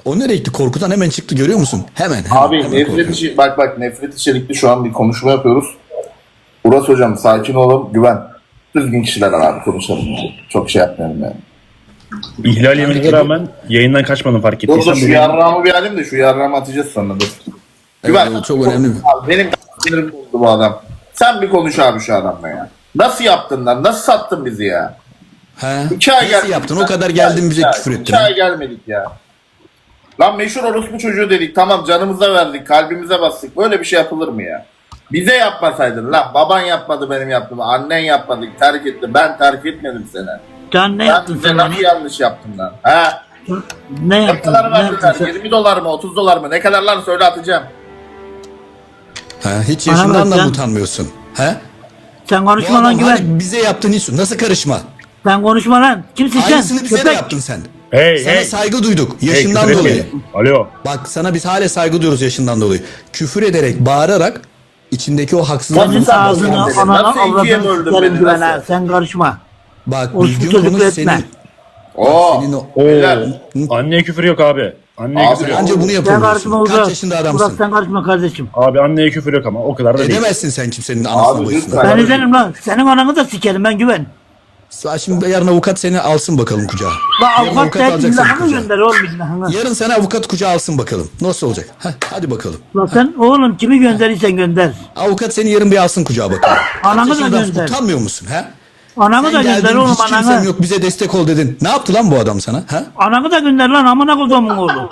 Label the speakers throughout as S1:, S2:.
S1: O nereye gitti? Korkudan hemen çıktı, görüyor musun? Hemen
S2: Abi
S1: hemen
S2: nefret içi, bak nefret içerikli şu an bir konuşma yapıyoruz. Uras hocam sakin olun, güven. Düzgün kişiler abi konuşalım. Çok şey yapmayalım yani.
S3: İhlal yeminine rağmen yayından kaçmadım fark
S2: Dur
S3: ettiysen.
S2: şu yarrağımı bir alayım da şu yarrağımı atacağız sonra dur. Güven.
S1: Evet, çok önemli.
S2: Abi, benim sinirim bozdu bu adam. Sen bir konuş abi şu adamla ya. Nasıl yaptın lan? Nasıl sattın bizi ya?
S1: He?
S2: 2 ay
S1: Nasıl
S2: gelmedik.
S1: yaptın? O kadar geldin bize küfür ettin.
S2: 2 ay gelmedik ya. Lan meşhur orospu çocuğu dedik. Tamam canımıza verdik. Kalbimize bastık. Böyle bir şey yapılır mı ya? Bize yapmasaydın lan. Baban yapmadı benim yaptığımı. Annen yapmadı. Terk etti. Ben terk etmedim seni.
S4: Can ne
S2: Ben
S4: yaptın
S2: size
S4: sen?
S2: nasıl yanlış yaptım lan? Ha?
S4: Ne
S2: Ne
S4: yaptın?
S2: kadar
S4: Ne yaptın
S2: verdiler?
S4: sen?
S2: 20 dolar mı? 30 dolar mı? Ne kadar lan söyle atacağım.
S1: He? Hiç
S4: Bana
S1: yaşından
S4: bak
S1: da
S4: sen.
S1: utanmıyorsun. He?
S4: Sen
S1: Bu
S4: konuşma lan
S1: adam
S4: güven.
S1: hani bize yaptığın hiç nasıl karışma?
S4: Sen konuşma lan. Kimsin sen?
S1: Aynısını bize de
S4: Köpek.
S1: yaptın sen.
S3: Hey
S1: Sana
S3: hey.
S1: saygı duyduk
S3: Hey,
S1: yaşından
S3: küfür
S1: dolayı.
S3: etmeyin. Alo.
S1: Bak sana biz hala saygı duyuyoruz yaşından dolayı. Küfür ederek, bağırarak içindeki o haksızlık.
S4: Senin
S2: Nasıl
S4: ağzını,
S2: böldün
S4: ananı,
S2: beni? Nasıl ikiye
S4: avradını
S2: böldün
S4: sikerim
S2: beni?
S4: güven
S2: Nasıl?
S4: ha. Sen karışma.
S1: Bak
S4: O
S1: düzgün
S4: çocuk
S1: konuş
S4: etme.
S1: senin.
S2: Oo.
S1: Senin o...
S3: Oo.
S2: Beyler.
S3: Anneye küfür yok abi. Anneye
S2: Abi,
S3: küfür yok.
S1: Anca bunu
S4: Sen
S1: yapabiliyorsun.
S4: karışma
S1: Kaç
S4: Uras.
S1: yaşında
S4: Uras
S1: adamsın?
S4: sen karışma kardeşim.
S3: Abi anneye küfür yok ama o kadar da değil.
S1: Edemezsin sen kimsenin anasına
S2: Abi,
S1: boyasına.
S2: lütfen.
S4: Ben izlerim lan. Senin ananı da sikerim ben güven.
S1: Şimdi yarın avukat seni alsın bakalım kucağa.
S4: La
S1: Yarın
S4: avukat da
S1: alacak seni
S4: illahını
S1: kucağa.
S4: gönder oğlum illahını.
S1: Yarın seni avukat kucağa alsın bakalım. Nasıl olacak? Hadi bakalım.
S4: La sen oğlum kimi gönderirsen gönder.
S1: Avukat seni yarın bir alsın kucağa bakalım.
S4: Anamı
S1: Kaç
S4: da
S1: yaşında
S4: gönder.
S1: Utanmıyor musun? He?
S4: Anamı da
S1: Sen
S4: gönder
S1: geldin
S4: oğlum
S1: hiç kimsem
S4: ananı.
S1: yok bize destek ol dedin. Ne yaptı lan bu adam sana? He?
S4: Ananı da gönder lan amına kodumun oğlu.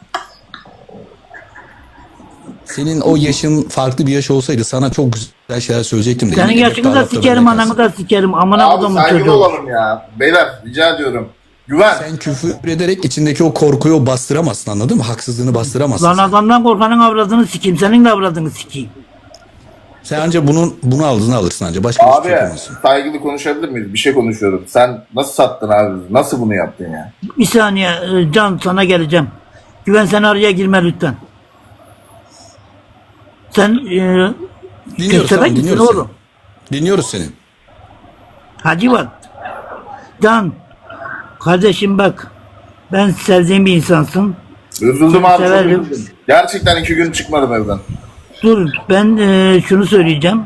S1: Senin o yaşın farklı bir yaş olsaydı sana çok güzel şeyler söyleyecektim. de
S4: Senin
S1: yine
S4: yaşını da
S1: tarafta
S4: sikerim
S1: benden
S4: ananı da sikerim amına
S2: Abi
S4: kodumun
S2: saygılı
S4: çocuğu.
S2: olalım ya. Beyler rica ediyorum. Güven.
S1: Sen küfür ederek içindeki o korkuyu bastıramazsın, anladın mı? Haksızlığını bastıramazsın.
S4: Lan adamdan korkanın avradını sikeyim senin de avradını sikeyim.
S1: Sen anca bunu aldığını alırsın anca. Başka hiçbir
S2: Abi
S1: şey yapamazsın.
S2: saygılı konuşabilir miyiz? Bir şey konuşuyorum. Sen nasıl sattın abi? Nasıl bunu yaptın ya?
S4: Bir saniye Can sana geleceğim. Güven sen araya girme lütfen. Sen
S1: Dinliyoruz,
S4: köstebek
S1: tamam,
S4: misin
S1: dinliyoruz
S4: oğlum?
S1: seni. Dinliyoruz seni.
S4: Hacı bak. Can. Kardeşim bak. Ben sevdiğim bir insansın.
S2: Üzüldüm abi çok
S4: Severim.
S2: üzüldüm. Gerçekten 2 gün çıkmadım evden.
S4: Dur ben şunu söyleyeceğim.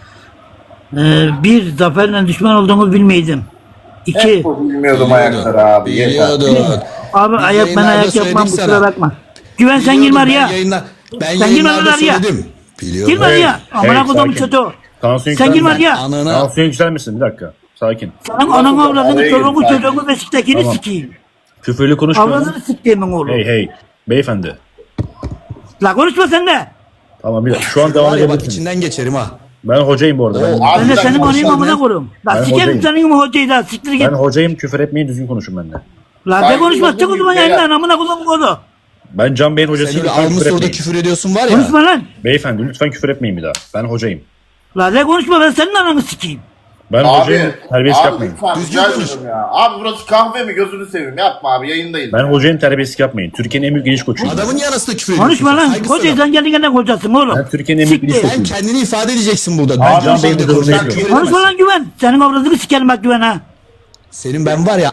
S4: Bir zaferle düşman olduğumu bilmeydim. İki.
S2: Hep bu bilmiyordum ayakları abi. Yeter.
S1: Biliyordun.
S4: Abi
S1: Biz
S4: ayak ben
S1: yayınlarda
S4: ayak yapmam
S1: söyledik
S4: kusura
S1: sana.
S4: bakma. Güven sen
S1: Biliyordum,
S4: girme
S1: ben
S4: araya.
S1: yayınla- Ben
S4: Sen girme
S1: yayınlarda
S4: araya.
S1: söyledim. Biliyordum.
S4: Girme araya. Amına
S3: hey,
S4: kodumun
S3: sakin.
S4: çocuğu.
S3: Tansiyon
S4: Sen girme
S3: yükselme.
S4: araya.
S1: Anana
S3: Tansiyon yükselmesin bir dakika. Sakin.
S4: Senin ananı avradını
S2: Araya
S4: çoluğunu
S2: gir,
S4: çocuğunu beşiktekini
S3: Tamam.
S4: sikeyim.
S3: Küfürlü konuşmayın.
S4: Avradını siktiğimin oğlu.
S3: Hey hey. Beyefendi.
S4: La konuşma sen de.
S3: Tamam bir dakika. Şu an devam
S1: var ya bak
S3: edebilirsiniz.
S1: içinden geçerim ha.
S3: Ben hocayım bu arada. Ben,
S2: Abi
S4: Ben de
S2: bir
S4: senin
S2: dakika,
S4: anayım
S1: konuşma
S4: amına
S1: lan.
S4: koyayım. La
S3: Ben
S4: sikerim
S3: hocayım.
S4: senin gibi hocayı da siktir git.
S3: ben hocayım, küfür etmeyin, düzgün konuşun benimle.
S4: La
S2: Ben
S4: de konuşma
S2: hocayım,
S4: çık o zaman
S2: beyler.
S4: yayından amına kodumun oğlu.
S3: Ben Can Bey'in
S1: Sen
S3: hocasıyım.
S1: öyle
S3: Lütfen
S1: almış
S3: küfür
S1: orada
S3: etmeyin.
S1: küfür ediyorsun var ya.
S4: Konuşma lan.
S3: Beyefendi lütfen küfür etmeyin bir daha. Ben hocayım.
S4: La de konuşma ben senin ananı sikeyim.
S3: Ben
S2: Abi,
S3: hocayım. Terbiyesizlik yapmayın.
S2: lütfen
S1: Düzgün
S2: rica
S1: konuş.
S2: ediyorum ya. Abi burası kahve mi? Gözünü seveyim. Yapma abi yayındayız.
S3: Ben hocayım, terbiyesizlik yapmayın. Türkiye'nin en büyük geniş koçuyum.
S1: Adamın yanısında küfür ediyorsun.
S4: Konuşma lan.
S1: Saygısız
S4: Hocayı
S1: adam.
S4: sen kendine hocasın oğlum.
S3: Ben Türkiye'nin en büyük
S4: Siktir.
S3: ilişkisi.
S1: Sen kendini ifade edeceksin burada.
S2: Abi,
S1: Can
S3: Can
S1: Bey'de
S3: Bey'in
S1: konuşan
S3: hocasını
S1: küfür
S4: Konuşma
S1: edemezsin.
S4: lan güven. Senin avradını sikerim bak güven ha.
S1: Senin ben var ya.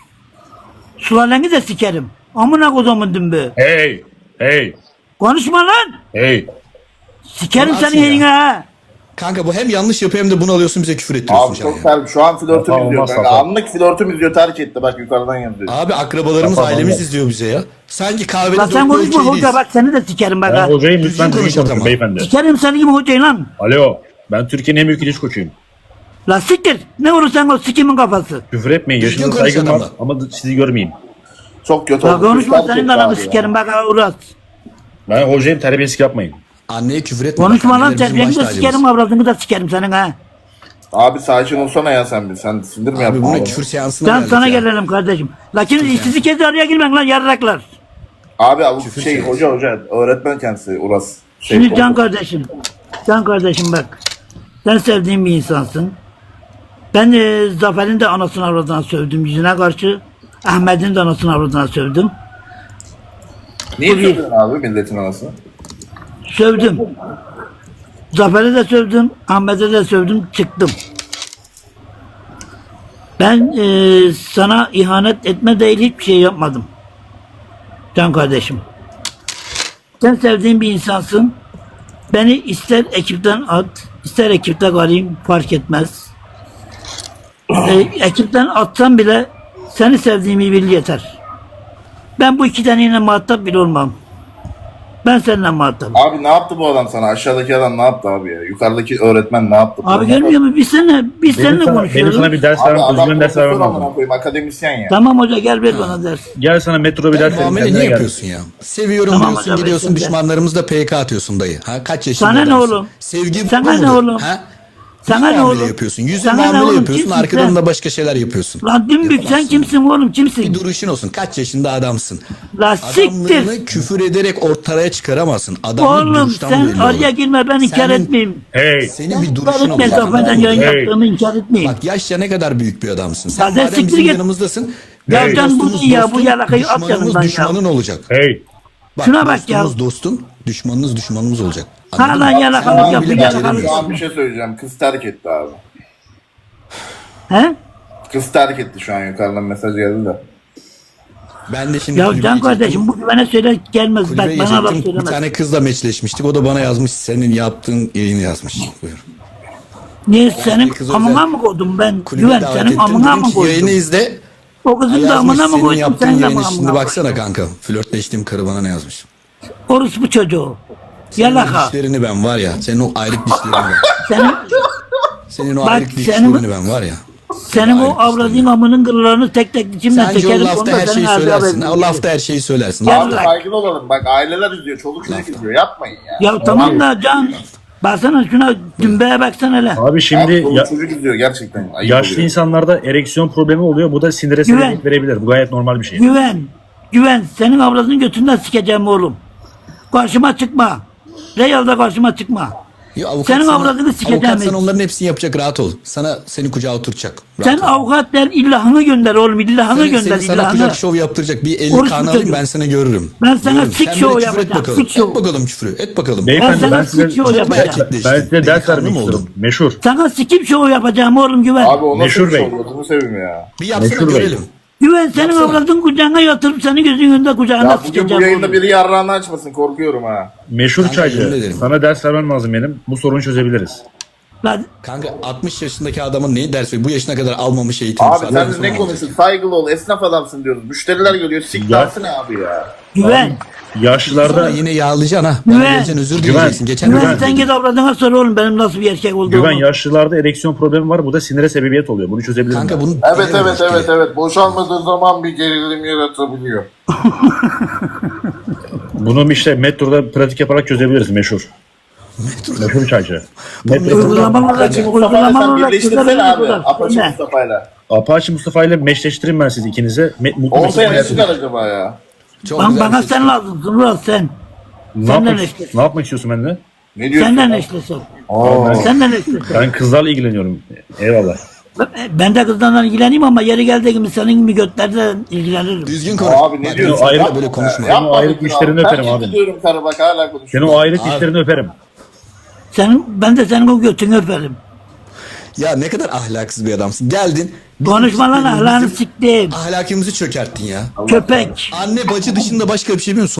S4: Sulaleni de sikerim. Amına kodumun dümbü.
S3: Hey! Hey!
S4: Konuşma lan.
S3: Hey!
S4: Sikerim
S1: Bana
S4: seni
S1: atsın ya.
S4: yayına ha.
S1: Kanka bu hem yanlış yapıyor hem de bunu alıyorsun bize küfür ettiriyorsun.
S2: Abi
S1: Can
S2: çok
S1: ya.
S2: ter. Şu an flörtüm
S3: Tamam,
S2: izliyor.
S3: olmaz,
S2: kanka.
S3: tamam.
S2: Anlık flörtüm izliyor. Terk etti. Bak yukarıdan yazıyor.
S1: Abi akrabalarımız,
S3: Tamam,
S1: ailemiz
S3: tamam.
S1: izliyor bize ya. Sanki kahvede
S4: La sen konuşma hoca bak seni de sikerim bak
S3: Ben
S4: ha.
S3: hocayım,
S1: Düzgün
S3: lütfen düzgün
S1: konuş
S3: konuşun
S1: adama.
S3: beyefendi.
S4: Sikerim seni gibi hocayı lan.
S3: Alo! Ben Türkiye'nin en büyük ilişki koçuyum.
S4: La siktir. Ne olursan ol sikimin kafası.
S3: Küfür etmeyin.
S1: Düzgün
S3: Yaşınıza
S1: konuş
S3: saygım var
S1: adamla.
S3: ama sizi görmeyeyim.
S2: Çok kötü
S4: La
S2: oldu.
S4: konuşma
S2: Terk
S4: senin
S2: etti
S4: de ananı
S2: abi ya.
S4: sikerim bak ha Uras.
S3: Ben hocayım, terbiyesizlik yapmayın.
S1: Anneye küfür etme.
S4: Konuşma
S1: Bak,
S4: lan
S1: anneler bizim
S4: terbiyeni
S1: baş
S4: de
S1: tacımız.
S4: sikerim avradını da sikerim senin ha.
S2: Abi sakin olsana ya sen bir. Sen sindir mi
S1: Abi
S2: yapma?
S1: buna
S2: Abi.
S1: küfür seansına
S4: Sen
S1: geldik
S4: sana
S1: ya.
S4: gelelim kardeşim. Lakin sizi kez araya girmeyin lan yarraklar.
S2: Abi bu
S1: Küfür
S2: şey
S1: seansı.
S2: hoca öğretmen kendisi Uras.
S4: Şimdi Can kardeşim. Can kardeşim bak. Sen sevdiğim bir insansın. Ben Zafer'in de anasını avradına sövdüm yüzüne karşı. Ahmet'in de anasını avradına sövdüm.
S2: Niye
S4: Bu bir.
S2: söyledin abi milletin anasını?
S4: Sövdüm. Zafer'e de sövdüm. Ahmet'e de sövdüm. Çıktım. Ben sana ihanet etme değil hiçbir şey yapmadım. Can kardeşim. Sen sevdiğin bir insansın. Beni ister ekipten at, ister ekipte kalayım fark etmez. Ekipten atsan bile seni sevdiğimi bil yeter. Ben bu iki taneyle muhatap bile olmam. Ben seninle muhatabım.
S2: Abi ne yaptı bu adam sana? Aşağıdaki adam ne yaptı abi ya? Yukarıdaki öğretmen ne yaptı?
S4: Abi görmüyor musun? Biz seninle
S3: Benim sana
S4: konuşuyoruz.
S3: bir ders
S2: Abi
S3: vermem,
S2: adam
S3: özgün ders
S2: profesör
S3: vermem
S2: amına
S3: lazım.
S2: koyayım, akademisyen ya.
S4: Tamam hoca gel ver bana ders.
S3: Gel sana metroda bir ders vereyim.
S1: Muamele
S3: kendine
S1: niye
S3: gel.
S1: yapıyorsun ya? Seviyorum
S4: Tamam
S1: diyorsun,
S4: hocam,
S1: gidiyorsun
S4: bekle.
S1: düşmanlarımızla PK atıyorsun dayı. Ha kaç yaşında
S4: Sana ne
S1: adamsın?
S4: oğlum?
S1: Sevgi bu
S4: Sana ne
S1: mudur?
S4: oğlum?
S1: Ha?
S4: Sana
S1: Niye
S4: ne
S1: muamele
S4: oğlum?
S1: yapıyorsun? Yüzün
S4: Sana ne
S1: muamele
S4: oğlum?
S1: yapıyorsun,
S4: Kimsin
S1: arkadan
S4: sen?
S1: da başka şeyler yapıyorsun.
S4: Lan dümbük sen
S1: Yapamazsın.
S4: kimsin oğlum
S1: Bir
S4: kimsin?
S1: duruşun olsun. Kaç yaşında adamsın?
S4: La siktir.
S1: Adamlığını küfür ederek ortaya çıkaramazsın. Adamlık
S4: Oğlum
S1: duruştan
S4: sen
S1: belli
S4: araya
S1: olur.
S4: girme ben inkar
S1: Senin-
S4: etmeyeyim.
S3: Hey.
S1: Senin bir
S4: İnkar
S1: duruşun
S4: etme
S1: olacak.
S4: zaferden yayın
S3: Hey.
S4: yaptığımı inkar etmeyeyim.
S1: Bak yaşça ne kadar büyük bir adamsın. Sen
S4: Ya sen
S1: madem
S4: siktir
S1: bizim
S4: git.
S1: yanımızdasın.
S4: Ya
S1: bizim
S4: can bu
S1: dostumuz
S4: ne ya? Bu
S1: dostun,
S4: yalakayı at
S1: düşmanımız
S4: yanımdan ya.
S1: düşmanın olacak.
S3: Hey.
S1: Bak,
S4: Şuna bak ya.
S1: dostumuz dostun, düşmanınız düşmanımız olacak.
S4: Ha
S1: Anladın
S4: lan
S1: mı?
S4: yalakalık
S1: Sen
S4: yapıyor
S1: bile
S4: yalakalık.
S1: beceremiyorsun.
S2: Şu an bir şey söyleyeceğim. Kız terk etti abi.
S4: He?
S2: Kız terk etti şu an, yukarıdan mesaj geldi de.
S1: Ben de şimdi
S4: Ya
S1: kulübeye
S4: can kardeşim
S1: çektim.
S4: bu güvene söyle gelmez. Bak
S1: Kulübeye
S4: bana laf
S1: çektim. Bir
S4: söylemez.
S1: tane kızla meçleşmiştik. O da bana yazmış. Senin yaptığın yayını yazmış. Buyur.
S4: Niye senin
S1: kız
S4: amına
S1: özel-
S4: mı koydum ben?
S1: Kulübe
S4: Güven
S1: davet
S4: senin
S1: ettim.
S4: amına
S1: Dedim
S4: mı
S1: ki yayını
S4: koydum?
S1: izle.
S4: O kızın da
S1: Yazmış
S4: amına mı
S1: senin
S4: koydum
S1: yaptığın
S4: sen de
S1: yayını.
S4: amına
S1: Şimdi
S4: koydum.
S1: baksana kanka. Flörtleştiğim karı bana ne yazmış.
S4: Orospu çocuğu.
S1: Senin
S4: Yalaka.
S1: dişlerini ben var ya. Senin o ayrık dişlerini ben.
S4: Senin,
S1: Senin o
S4: Bak,
S1: ayrık
S4: senin-
S1: dişlerini ben var ya.
S4: senin o
S1: Ayrık
S4: avradığın amının kırılarını tek tek içimden
S1: Sence o
S4: çekerim.
S1: lafta
S4: Onda
S1: her
S4: senin
S1: şeyi
S4: ağzına
S1: söylersin.
S4: veririm.
S1: O lafta her şeyi söylersin.
S4: Gel
S2: Abi
S4: lan.
S2: saygılı olalım. Bak aileler izliyor. Çoluk çocuk izliyor. Yapmayın ya.
S4: Ya tamam da Can. Baksana şuna dümbeye baksana hele.
S3: Abi şimdi
S2: Abi, çoluk çocuk izliyor gerçekten. Ayıp
S3: yaşlı
S2: oluyor.
S3: insanlarda ereksiyon problemi oluyor. Bu da sinire
S4: Güven.
S3: sebebiyet verebilir. Bu gayet normal bir şey.
S4: Güven. Güven. Senin avradını götünden sikeceğim oğlum. Karşıma çıkma. Real'da karşıma çıkma.
S1: Ya avukat
S4: Senin
S1: sana-
S4: avradını sikeceğim
S1: Avukat sana
S4: hiç.
S1: onların hepsini yapacak, rahat ol. Seni kucağa oturacak. Rahat
S4: Sen
S1: ol.
S4: avukat der illahını gönder oğlum. İllahını
S1: Seni
S4: gönder
S1: sana
S4: illahını.
S1: kucak şov yaptıracak. Bir 50
S4: Orospu
S1: kanı alayım
S4: çocuğu.
S1: ben seni görürüm.
S4: Ben sana
S1: Görürüm.
S4: sik
S1: Sen
S4: şov
S1: bir de küfür et
S4: yapacağım,
S1: bakalım.
S4: sik şov.
S1: Et bakalım küfrü. Et bakalım.
S3: Beyefendi
S4: Ben
S3: ben,
S4: sana
S3: size,
S4: sikşi o yapacağım.
S3: ben size ders
S1: Delikanlı
S3: vermek
S1: mı
S3: istiyorum.
S1: oldun?
S3: Meşhur.
S4: Sana sikim şovu yapacağım oğlum Güven.
S2: Abi o nasıl
S3: Meşhur
S2: bir şey
S3: Bey.
S2: oluyor? Bunu seveyim ya.
S1: Bir yapsana
S3: Meşhur Bey.
S1: görelim.
S4: Güven senin
S1: Yapsana.
S4: avradın kucağına yatırıp senin gözünün önünde kucağına
S2: Ya bugün bu
S4: sikeceğim
S2: yayında
S4: oğlum.
S2: biri yarrağını açmasın, korkuyorum ha.
S3: Meşhur
S1: Kanka, yemin
S3: çaycı.
S1: ederim.
S3: Sana ders vermem lazım benim. Bu sorunu çözebiliriz.
S4: Lan
S1: Kanka 60 yaşındaki adamın neyi ders veriyor? Bu yaşına kadar almamış eğitim.
S2: Abi sen de ne konuşuyorsun? Saygılı ol, esnaf adamsın diyoruz. Müşteriler geliyor, siktarsın abi ya.
S4: Güven.
S3: Yaşlılarda
S1: Sonra yine yağlayacaksın ha. Bana
S4: Güven.
S1: geleceksin özür
S3: Güven.
S1: dileyeceksin. Geçen
S4: Güven
S1: özür
S4: sen
S1: diledim.
S4: git avradına sor oğlum benim nasıl bir erkek olduğumu.
S3: güven yaşlılarda ereksiyon problemi var. Bu da sinire sebebiyet oluyor. Bunu çözebilirim.
S1: Kanka
S3: ben.
S1: bunu
S2: Evet evet evet evet. Boşalmadığı zaman bir gerilim yaratabiliyor.
S3: Bunu işte metroda pratik yaparak çözebiliriz meşhur. Meşhur çaycı. Metro.
S4: Uygulamalar
S2: Apache Mustafa ile
S4: uygulamalar
S2: sen
S4: olarak
S2: birleştirsene abi.
S4: güzel.
S2: Apache
S4: Ne?
S2: Mustafa ile.
S3: Apache Mustafa ile meşleştireyim ben sizi ikinize. Mutlu
S2: Ortaya
S3: Mustafa
S2: ne
S3: ile-
S2: çıkar acaba ya?
S1: Çok
S4: Lan
S1: güzel bir
S4: bana
S1: şey
S4: sen
S1: çıktı.
S4: lazımsın Murat sen.
S3: Ne
S4: Senden
S3: yapmak,
S4: eşleşsin.
S3: ne yapmak istiyorsun benden?
S2: Ne diyorsun?
S4: Senden
S2: ya?
S4: eşleşsin.
S2: Aa.
S4: Senden eşleşsin.
S3: Ben kızlarla ilgileniyorum. Eyvallah.
S4: Ben de kızlarla ilgileneyim ama yeri geldiği gibi senin gibi götlerle ilgilenirim.
S1: Düzgün konuş.
S2: Abi ne
S1: Bak,
S2: diyorsun?
S3: ayrı-
S2: Yapma
S1: böyle
S2: be.
S1: konuşma.
S2: Yapma
S3: Senin o ayrı
S2: be.
S3: dişlerini öperim
S2: Ben
S3: abi.
S2: gidiyorum karı bak hala
S3: Senin
S2: konuşuyor.
S3: o ayrık dişlerini öperim.
S4: Ben de senin o götünü öperim.
S1: Ya ne kadar ahlaksız bir adamsın. Geldin. bizim
S4: Konuşma lan
S1: bizim
S4: ahlakını siktim.
S1: Ahlakımızı çökerttin ya.
S4: Köpek.
S1: Anne bacı dışında başka bir şey bilmiyorsun.